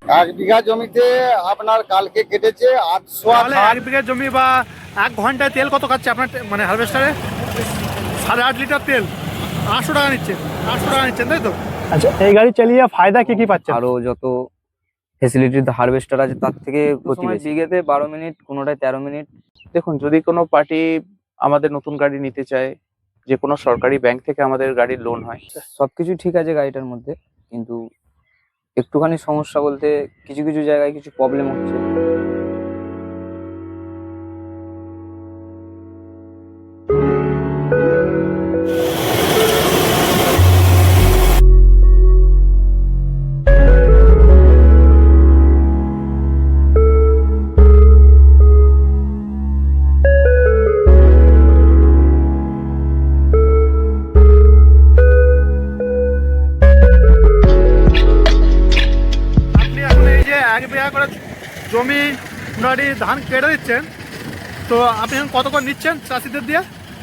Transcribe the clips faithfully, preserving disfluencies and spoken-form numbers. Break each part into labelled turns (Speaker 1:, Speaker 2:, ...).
Speaker 1: এক বিঘা জমিতে আপনার কালকে কেটেছে আটশো।
Speaker 2: তাহলে এক বিঘা জমি বা এক ঘন্টায় তেল কত খাচ্ছে আপনার টে- মানে হারভেস্টারে? সাড়ে আট লিটার তেল আটশো টাকা নিচ্ছেন, আটশো টাকা নিচ্ছেন তাই তো? আচ্ছা, এই গাড়ি চালিয়ে ফায়দা কি কি পাচ্ছেন?
Speaker 3: আরো যত ফেসিলিটি হারভেস্টার আছে তার থেকে প্রতি বিঘেতে বারো মিনিট, কোনোটায় তেরো মিনিট।
Speaker 4: দেখুন, যদি কোনো পার্টি আমাদের নতুন গাড়ি নিতে চায়, যে কোনো সরকারি ব্যাংক থেকে আমাদের গাড়ির লোন হয়।
Speaker 3: সবকিছু ঠিক আছে গাড়িটার মধ্যে, কিন্তু একটুখানি সমস্যা বলতে কিছু কিছু জায়গায় কিছু প্রবলেম হচ্ছে।
Speaker 2: আপনি এখন এই যে এক বিঘা করে জমি মোটামুটি ধান কেটে দিচ্ছেন, তো আপনি এখন কত করে নিচ্ছেন চাষিদের দিয়ে?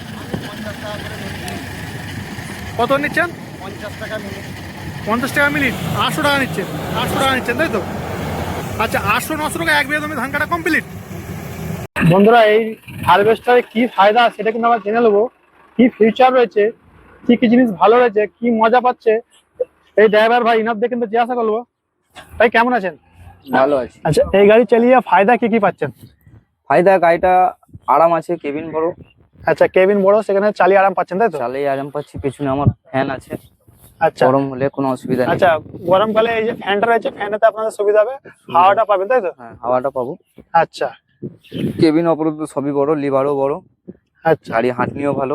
Speaker 2: কত নিচ্ছেন?
Speaker 1: পঞ্চাশ টাকা মিনিট।
Speaker 2: পঞ্চাশ টাকা মিনিট, আটশো টাকা নিচ্ছেন, আটশো টাকা নিচ্ছেন তাই তো? আচ্ছা, আটশো নশো টাকা এক বিঘা জমি ধান কাটা কমপ্লিট। বন্ধুরা, এই হারভেস্টারে কি ফায়দা সেটা কিন্তু আমরা জেনে নেবো। কি ফিউচার রয়েছে, কি কি জিনিস ভালো রয়েছে, কি মজা পাচ্ছে এই ড্রাইভার ভাই, ইনার দিয়ে কিন্তু জিজ্ঞাসা করবো। ভাই কেমন আছেন?
Speaker 3: ভালো আছে।
Speaker 2: আচ্ছা, এই গাড়ি চালিয়ে ফায়দা কি কি পাচ্ছেন?
Speaker 3: ফায়দা গাড়িটা আরাম আছে, কেবিন বড়।
Speaker 2: আচ্ছা, কেবিন বড়, সেখানে চালিয়ে আরাম পাচ্ছেন তাই তো?
Speaker 3: চালিয়ে আরাম পাচ্ছি, পেছনে আমার ফ্যান আছে।
Speaker 2: আচ্ছা,
Speaker 3: গরম হলে কোনো অসুবিধা নেই।
Speaker 2: আচ্ছা, গরমকালে এই যে ফ্যানটা রয়েছে, ফ্যানেতে আপনাদের সুবিধা হবে, হাওয়াটা পাবেন তাই তো?
Speaker 3: হ্যাঁ, হাওয়াটা পাবো।
Speaker 2: আচ্ছা
Speaker 3: কেবিন অপরূপ সবই বড়, লিভারও বড়,
Speaker 2: আচ্ছা
Speaker 3: গাড়ি হাঁটনিও ভালো।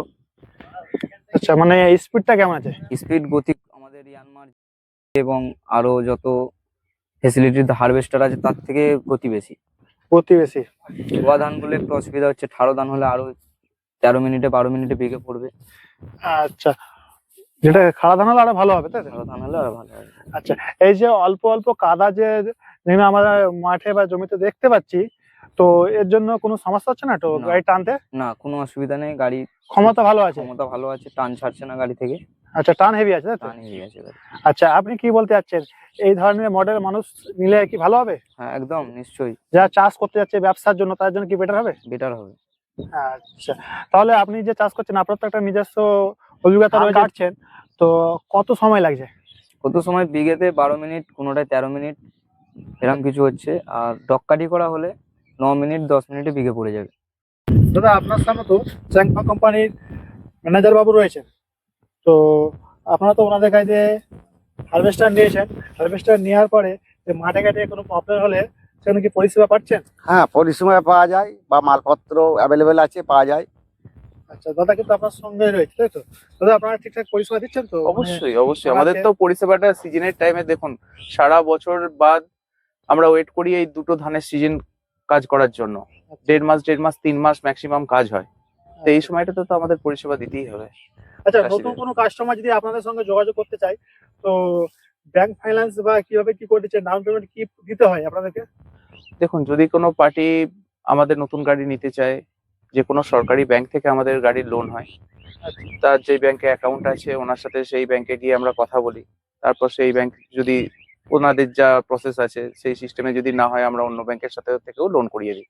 Speaker 2: আচ্ছা, মানে স্পিডটা কেমন আছে?
Speaker 3: স্পিড গতি আমাদের ইয়ানমার এবং আরো যত ফেসিলিটি হারভেস্টার আছে তার থেকে গতি বেশি।
Speaker 2: প্রতিবেশী
Speaker 3: ধোয়া ধান বলে একটু অসুবিধা হচ্ছে, ঠাড়ো ধান হলে আরো তেরো মিনিটে বারো মিনিটে বেগে পড়বে।
Speaker 2: আচ্ছা, যেটা খাড়া ধান হলে আরো ভালো হবে তাই তো?
Speaker 3: ঠাড়ো ধান হলে আরো ভালো হবে।
Speaker 2: আচ্ছা, এই যে অল্প অল্প কাদা যে যেগুলো আমরা মাঠে বা জমিতে দেখতে পাচ্ছি, তো এর জন্য কোনো সমস্যা হচ্ছে না তো
Speaker 3: না।
Speaker 2: গাড়ি টানতে?
Speaker 3: না, কোনো অসুবিধা নেই, গাড়ি
Speaker 2: ক্ষমতা ভালো আছে?
Speaker 3: ক্ষমতা ভালো আছে, টান ছাড়ছে না গাড়ি থেকে।
Speaker 2: আচ্ছা, টান হেভি আছে তাই তো?
Speaker 3: টান হয়ে গেছে গাড়ি।
Speaker 2: আচ্ছা, আপনি কি বলতে চাচ্ছেন, এই ধরনের মডেল মানুষ নিলে কি ভালো হবে?
Speaker 3: হ্যাঁ, একদম নিশ্চয়ই
Speaker 2: যারা চাষ করতে যাচ্ছে ব্যবসার জন্য, তার জন্য কি বেটার হবে?
Speaker 3: বেটার হবে।
Speaker 2: আচ্ছা, তাহলে আপনি যে চাষ করছেন, আপনার তো একটা নিজস্ব অভিজ্ঞতা রয়েছে, কাটছেন তো কত সময় লাগছে?
Speaker 3: কত সময় বিঘেতে বারো মিনিট, কোনোটায় তেরো মিনিট, এরকম কিছু হচ্ছে। আর ডক্কাটি করা হলে ন মিনিট দশ মিনিটে বিঘে পড়ে যাবে।
Speaker 2: দাদা, আপনার সামনে তো চ্যাংফা কোম্পানির ম্যানেজার বাবু রয়েছেন, তো আপনারা তো ওনাদের কাছে হারভেস্টার নিয়েছেন, হারভেস্টার নেওয়ার পরে যে মাঠে ঘাটে কোনো প্রবলেম হলে সেখানে কি পরিষেবা পাচ্ছেন?
Speaker 1: হ্যাঁ, পরিষেবা পাওয়া যায় বা মালপত্র অ্যাভেলেবেল আছে, পাওয়া যায়।
Speaker 2: আচ্ছা দাদা, কিন্তু আপনার সঙ্গে রয়েছে তাই তো? দাদা, আপনারা ঠিকঠাক পরিষেবা দিচ্ছেন তো?
Speaker 4: অবশ্যই অবশ্যই আমাদের তো পরিষেবাটা সিজনের টাইমে, দেখুন সারা বছর বাদ আমরা ওয়েট করি এই দুটো ধানের সিজন কাজ করার জন্য। দেড় মাস দেড় মাস তিন মাস ম্যাক্সিমাম কাজ হয়, তো এই সময়টাতে তো আমাদের পরিষেবা দিতেই হবে।
Speaker 2: আচ্ছা,
Speaker 4: চাষিদের।
Speaker 2: নতুন কোনো কাস্টমার যদি আপনাদের সঙ্গে যোগাযোগ করতে চায়, তো ব্যাংক ফাইন্যান্স বা কিভাবে কি করে দিচ্ছেন, ডাউন পেমেন্ট কি দিতে হয় আপনাদেরকে?
Speaker 4: দেখুন, যদি কোনো পার্টি আমাদের নতুন গাড়ি নিতে চায়, যে কোনো সরকারি ব্যাংক থেকে আমাদের গাড়ির লোন হয়। তার যে ব্যাংকে অ্যাকাউন্ট আছে ওনার সাথে সেই ব্যাংকে গিয়ে আমরা কথা বলি, তারপর সেই ব্যাংক যদি ওনাদের যা প্রসেস আছে সেই সিস্টেমে যদি না হয়, আমরা অন্য ব্যাংকের সাথে থেকেও লোন করিয়ে দিই,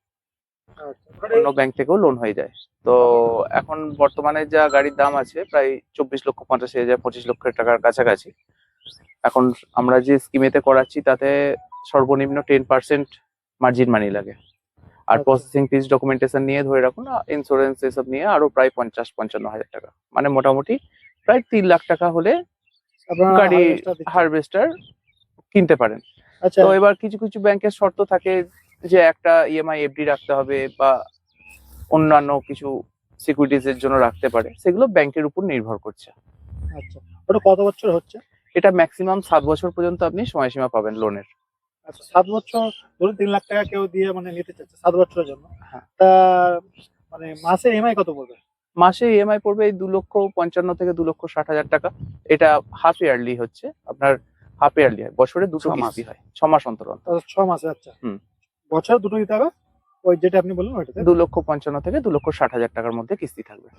Speaker 4: অন্য ব্যাংক থেকেও লোন হয়ে যায়। তো এখন বর্তমানে যা গাড়ির দাম আছে প্রায় চব্বিশ লক্ষ পঁচাশি হাজার পঁচিশ লক্ষ টাকার কাছাকাছি। এখন আমরা যে স্কিমেতে করাচ্ছি তাতে সর্বনিম্ন টেন পার্সেন্ট মার্জিন মানি লাগে, আর প্রসেসিং ফিস ডকুমেন্টেশন নিয়ে ধরে রাখুন, ইন্স্যুরেন্স এসব নিয়ে আরো প্রায় পঞ্চাশ পঞ্চান্ন হাজার টাকা, মানে মোটামুটি প্রায় তিন লাখ টাকা হলে গাড়ি হারভেস্টার কিনতে পারেন।
Speaker 2: আচ্ছা,
Speaker 4: তো এবার কিছু কিছু ব্যাংকের শর্ত থাকে যে একটা ইএমআই এফডি রাখতে হবে বা অন্যান্য কিছু সিকিউরিটিজ এর জন্য রাখতে পারে, সেগুলো ব্যাংকের উপর নির্ভর করছে।
Speaker 2: আচ্ছা, ওটা কত বছর হচ্ছে?
Speaker 4: এটা ম্যাক্সিমাম সাত বছর পর্যন্ত আপনি সময়সীমা পাবেন লোনের।
Speaker 2: আচ্ছা, সাত বছর ধরুন তিন লাখ টাকা কেউ দিয়ে মানে নিতে চাচ্ছে সাত বছরের জন্য,
Speaker 4: হ্যাঁ।
Speaker 2: তা মানে মাসে ইএমআই কত পড়বে?
Speaker 4: মাসে ইএমআই পড়বে এই দু লক্ষ পঞ্চান্ন থেকে দু লক্ষ ষাট হাজার টাকা। এটা হাফ ইয়ারলি হচ্ছে আপনার, হাফ ইয়ারলি হয়, বছরে দুটো
Speaker 1: ছ মাস।
Speaker 4: কিস্তি হয়, ছ মাস অন্তর অন্তর।
Speaker 2: ছ মাসে? আচ্ছা,
Speaker 4: হুম।
Speaker 2: বছর দুটো দিতে হবে, ওই যেটা আপনি বললেন ওইটাতে?
Speaker 4: দু লক্ষ পঞ্চান্ন থেকে দু লক্ষ ষাট হাজার টাকার মধ্যে কিস্তি থাকবে।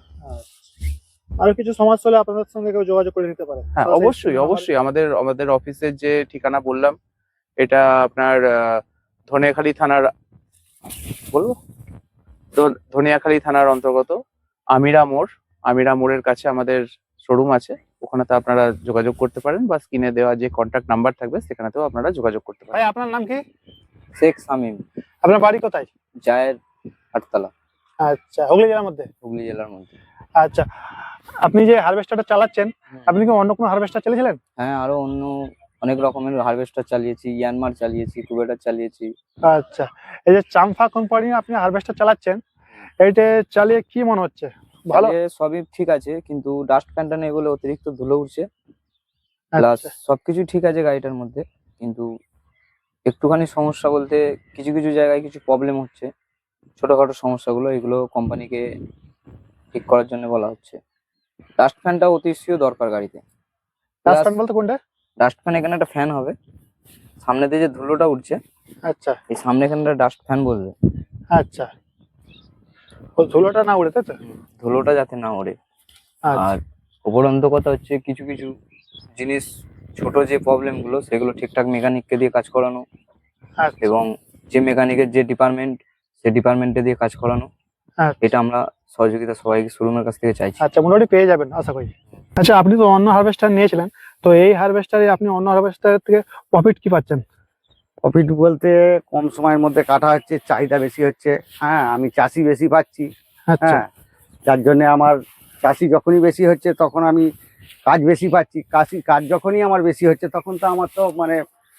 Speaker 2: আরো কিছু সমস্যা হলে আপনাদের সঙ্গে কেউ যোগাযোগ করে নিতে পারে?
Speaker 4: হ্যাঁ, অবশ্যই অবশ্যই আমাদের আমাদের অফিসের যে ঠিকানা বললাম এটা আপনার আহ, ধনিয়াখালী থানার বলবো ধ- ধনিয়াখালী থানার অন্তর্গত আমিরা মোড়। আমিরা মোড়ের কাছে আমাদের শোরুম আছে, ওখানেতে আপনারা যোগাযোগ করতে পারেন, বা স্ক্রিনে দেওয়া যে কন্ট্যাক্ট নাম্বার থাকবে সেখানেতেও আপনারা যোগাযোগ করতে পারেন।
Speaker 2: ভাই আপনার নাম কি?
Speaker 3: শেখ শামীম,
Speaker 2: আপনার বাড়ি কোথায়?
Speaker 3: জায়ের আটতলা,
Speaker 2: আচ্ছা, হুগলি জেলার মধ্যে।
Speaker 3: হুগলি জেলার মধ্যে।
Speaker 2: আচ্ছা, আপনি যে হারভেস্টারটা চালাচ্ছেন, আপনি কি অন্য কোনো হারভেস্টার চালিয়েছিলেন?
Speaker 3: হ্যাঁ, আরো অন্য অনেক রকমের হারভেস্টার চালিয়েছি, ইয়ানমার চালিয়েছি, কুবেটার চালিয়েছি।
Speaker 2: আচ্ছা, এই যে চাম্পা কোম্পানি আপনি হারভেস্টার চালাচ্ছেন, এইটা চালিয়ে কি মনে হচ্ছে? ভালো?
Speaker 3: চালিয়ে সবই ঠিক আছে, কিন্তু ডাস্ট ফ্যানটা নেই বলে অতিরিক্ত ধুলো উঠছে। প্লাস
Speaker 2: আচ্ছা,
Speaker 3: সবকিছু ঠিক আছে গাড়িটার মধ্যে, কিন্তু একটুখানি সমস্যা বলতে কিছু কিছু জায়গায় কিছু প্রবলেম হচ্ছে, ছোটখাটো সমস্যাগুলো, এগুলো কোম্পানিকে ঠিক করার জন্য বলা হচ্ছে। ডাস্ট ফ্যানটা অতিশয় দরকার গাড়িতে।
Speaker 2: ডাস্ট ফ্যান বলতে কোনটা?
Speaker 3: ডাস্ট ফ্যান এখানে একটা ফ্যান হবে, সামনে দিয়ে যে ধুলোটা উঠছে
Speaker 2: আচ্ছা
Speaker 3: এই সামনে এখানে একটা ডাস্ট ফ্যান বলবে।
Speaker 2: আচ্ছা, ও ধুলোটা না উড়ে, তাই তো?
Speaker 3: ধুলোটা যাতে না ওড়ে।
Speaker 2: আচ্ছা
Speaker 3: আর উপরন্ত কথা হচ্ছে কিছু কিছু জিনিস, ছোট যে প্রবলেম গুলো সেগুলো ঠিকঠাক মেকানিককে দিয়ে কাজ করানো,
Speaker 2: আচ্ছা
Speaker 3: এবং যে মেকানিকের যে ডিপার্টমেন্ট সেই ডিপার্টমেন্টে দিয়ে কাজ করানো,
Speaker 2: আচ্ছা।
Speaker 3: এটা আমরা সহযোগিতা সবাইকে শোরুমের কাছ থেকে চাইছি।
Speaker 2: আচ্ছা, মোটামুটি পেয়ে যাবেন আশা করি। আচ্ছা, আপনি তো অন্য হারভেস্টার নিয়েছিলেন, তো এই হারভেস্টারে আপনি অন্য হারভেস্টারের থেকে প্রফিট কি পাচ্ছেন?
Speaker 1: প্রফিট বলতে কম সময়ের মধ্যে কাটা হচ্ছে, চাহিদা বেশি হচ্ছে। হ্যাঁ, আমি চাষি বেশি পাচ্ছি।
Speaker 2: আচ্ছা
Speaker 1: হ্যাঁ, যার জন্য আমার চাষি যখনই বেশি হচ্ছে তখন আমি কাজ বেশি পাচ্ছি। কাশি কাজ যখনই আমার বেশি হচ্ছে তখন তো আমার তো মানে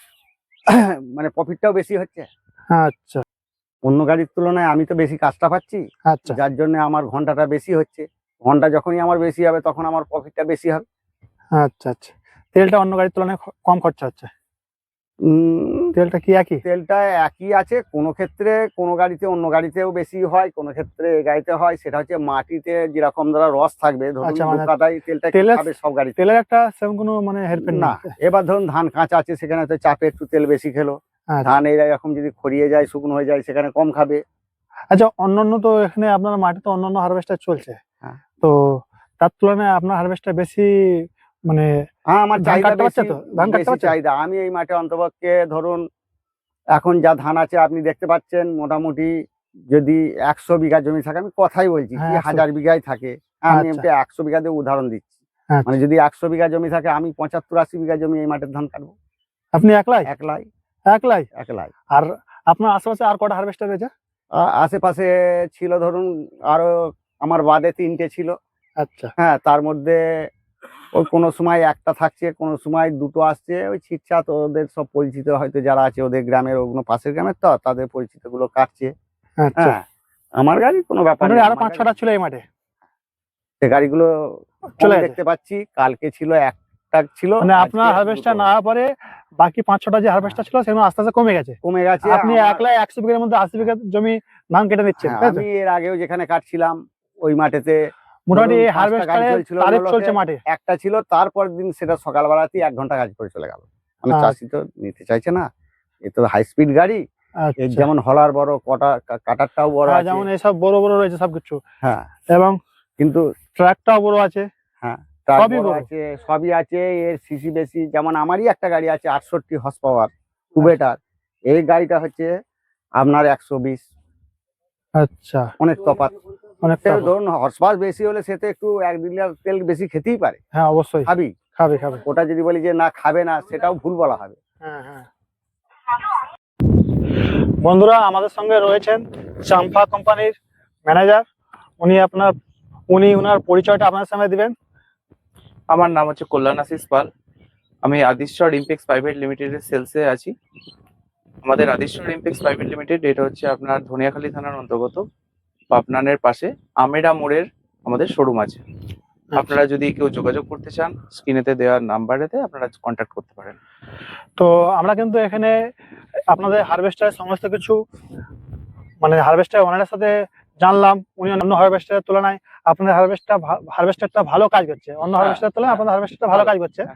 Speaker 1: মানে প্রফিটটাও বেশি হচ্ছে।
Speaker 2: আচ্ছা
Speaker 1: অন্য গাড়ির তুলনায় আমি তো বেশি কাজটা পাচ্ছি,
Speaker 2: আচ্ছা
Speaker 1: যার জন্য আমার ঘন্টাটা বেশি হচ্ছে। ঘন্টা যখনই আমার বেশি হবে তখন আমার প্রফিটটা বেশি হবে।
Speaker 2: আচ্ছা আচ্ছা। তেলটা অন্য গাড়ির তুলনায় খ- কম খরচা হচ্ছে?
Speaker 1: উম,
Speaker 2: তেলটা কি একই?
Speaker 1: তেলটা একই আছে, কোনো ক্ষেত্রে কোনো গাড়িতে অন্য গাড়িতেও বেশি হয়, কোনো ক্ষেত্রে এই গাড়িতে হয়। সেটা হচ্ছে মাটিতে যেরকম ধরা রস থাকবে, ধরুন
Speaker 2: আচ্ছা,
Speaker 1: দু
Speaker 2: মানে
Speaker 1: কাদায় তেলটা কি
Speaker 2: তেলের-
Speaker 1: খাবে সব গাড়িতে?
Speaker 2: তেলের একটা সেরকম কোনো মানে হেরফের
Speaker 1: না।
Speaker 2: না?
Speaker 1: এবার ধরুন ধান কাঁচা আছে, সেখানে তো চাপে একটু তেল বেশি খেলো।
Speaker 2: আচ্ছা
Speaker 1: ধান এইরকম যদি খড়িয়ে যায়, শুকনো হয়ে যায়, সেখানে কম খাবে।
Speaker 2: আচ্ছা, অন্যান্য তো এখানে আপনার মাটিতে অন্যান্য হারভেস্টার চলছে,
Speaker 1: হ্যাঁ।
Speaker 2: তো তার তুলনায় আপনার হারভেস্টার বেশি মানে
Speaker 1: হ্যাঁ, আমার
Speaker 2: ধান
Speaker 1: চাহিদা
Speaker 2: কাটতে পারছে
Speaker 1: বেশি,
Speaker 2: তো? ধান কাটতে
Speaker 1: বেশি
Speaker 2: পারছে?
Speaker 1: চাহিদা। আমি এই মাঠে অন্তপক্ষে ধরুন এখন যা ধান আছে আপনি দেখতে পাচ্ছেন, মোটামুটি যদি একশো বিঘা জমি থাকে, আমি কথাই বলছি,
Speaker 2: হ্যাঁ,
Speaker 1: কি
Speaker 2: একশো।
Speaker 1: হাজার বিঘাই থাকে। হ্যাঁ, আমি
Speaker 2: আচ্ছা।
Speaker 1: এমনি একশো বিঘা দিয়ে উদাহরণ দিচ্ছি।
Speaker 2: আচ্ছা।
Speaker 1: মানে যদি একশো বিঘা জমি থাকে, আমি পঁচাত্তর আশি বিঘা জমি এই মাঠের ধান কাটবো
Speaker 2: আপনি একলাই?
Speaker 1: একলাই
Speaker 2: একলাই?
Speaker 1: একলাই।
Speaker 2: আর আপনার আশেপাশে আর কটা হারভেস্টার রয়েছে?
Speaker 1: আ- আশেপাশে ছিল ধরুন আরো, আমার বাদে তিনটে ছিল।
Speaker 2: আচ্ছা
Speaker 1: হ্যাঁ, তার মধ্যে ওই কোনো সময় একটা থাকছে, কোনো সময় দুটো আসছে। ওই ছিটছাট ওদের সব পরিচিত হয়তো যারা আছে ওদের গ্রামের, ওগুলো পাশের গ্রামের, তো তাদের পরিচিত গুলো কাটছে।
Speaker 2: আচ্ছা।
Speaker 1: হ্যাঁ, আমার গাড়ি কোনো ব্যাপার
Speaker 2: মোটামুটি
Speaker 1: নেই।
Speaker 2: আরো
Speaker 1: আমার
Speaker 2: পাঁচ
Speaker 1: গাড়ি-
Speaker 2: ছটা ছিল এই মাঠে?
Speaker 1: সে গাড়িগুলো
Speaker 2: চলে
Speaker 1: চলে
Speaker 2: গেছে?
Speaker 1: দেখতে পাচ্ছি, কালকে ছিল একটা ছিল,
Speaker 2: মানে
Speaker 1: আজকে
Speaker 2: আপনার হারভেস্টার
Speaker 1: দুটো।
Speaker 2: না হওয়ার পরে বাকি পাঁচ ছটা যে হারভেস্টার ছিল সেগুলো আস্তে আস্তে কমে গেছে?
Speaker 1: কমে গেছে।
Speaker 2: আপনি
Speaker 1: আমার-
Speaker 2: একলাই একশো বিঘার মধ্যে আশি বিঘা জমি ধান কেটে নিচ্ছেন,
Speaker 1: হ্যাঁ,
Speaker 2: তাই তো?
Speaker 1: আমি এর আগেও যেখানে কাটছিলাম ওই মাঠেতে
Speaker 2: মোটামুটি
Speaker 1: ধরুন
Speaker 2: এই
Speaker 1: পাঁচটা গাড়ি
Speaker 2: হারভেস্টারের
Speaker 1: চলছিল,
Speaker 2: তারিফ
Speaker 1: অন্য
Speaker 2: চলছে
Speaker 1: লোকের
Speaker 2: মাঠে?
Speaker 1: একটা ছিল, তারপর দিন সেটা সকালবেলাতেই এক ঘন্টা কাজ করে চলে গেল। মানে
Speaker 2: আচ্ছা।
Speaker 1: চাষি তো নিতে চাইছে না, এ তো হাই স্পিড গাড়ি। এর
Speaker 2: আচ্ছা,
Speaker 1: যেমন হলার বড়, কটা কা- কাটারটাও বড়
Speaker 2: হ্যাঁ,
Speaker 1: আছে।
Speaker 2: যেমন এইসব বড় বড় রয়েছে সবকিছু,
Speaker 1: হ্যাঁ,
Speaker 2: এবং
Speaker 1: কিন্তু
Speaker 2: ট্রাকটাও বড় আছে।
Speaker 1: হ্যাঁ, ট্রাক
Speaker 2: সবই
Speaker 1: বড়
Speaker 2: বড়।
Speaker 1: আছে, সবই আছে। এর সিসি বেশি, যেমন আমারই একটা গাড়ি আছে আটষট্টি হর্স পাওয়ার কুবেটার, এই গাড়িটা হচ্ছে আপনার একশো বিশ।
Speaker 2: আচ্ছা,
Speaker 1: অনেক তফাৎ।
Speaker 2: অনেকটা
Speaker 1: সে
Speaker 2: বড়।
Speaker 1: ধরুন হর্স পাওয়ার বেশি হলে সে তো একটু এক লিটার তেল বেশি খেতেই পারে,
Speaker 2: হ্যাঁ অবশ্যই
Speaker 1: খাবি।
Speaker 2: খাবে খাবে।
Speaker 1: ওটা যদি বলি যে না খাবে না, সেটাও ভুল বলা হবে।
Speaker 2: হ্যাঁ হ্যাঁ। বন্ধুরা, আমাদের সঙ্গে রয়েছেন চাম্পা কোম্পানির ম্যানেজার। উনি আপনার উনি ওনার পরিচয়টা আপনার সামনে দিবেন।
Speaker 4: আমার নাম হচ্ছে কল্যাণ আশিস পাল। আমি আদিশ্বর ইমপেক্স প্রাইভেট লিমিটেডের সেলসে আছি। আমাদের আদিশ্বর ইমপেক্স প্রাইভেট লিমিটেড এটা হচ্ছে আপনার ধনিয়াখালী থানার অন্তর্গত, পাবনানের পাশে আমেরা মোড়ের আমাদের শোরুম আছে। আপনারা যদি কেউ যোগাযোগ করতে চান, স্ক্রিনেতে দেওয়া নাম্বারেতে আপনারা কন্ট্যাক্ট করতে পারেন।
Speaker 2: তো আমরা কিন্তু এখানে আপনাদের হারভেস্টারের সমস্ত কিছু মানে হারভেস্টার ওনারের সাথে জানলাম। উনি অন্য হারভেস্টারের তুলনায় আপনাদের হারভেস্টার হারভেস্টারটা ভালো কাজ করছে, অন্য হারভেস্টারের তুলনায় আপনাদের হারভেস্টারটা ভালো কাজ করছে।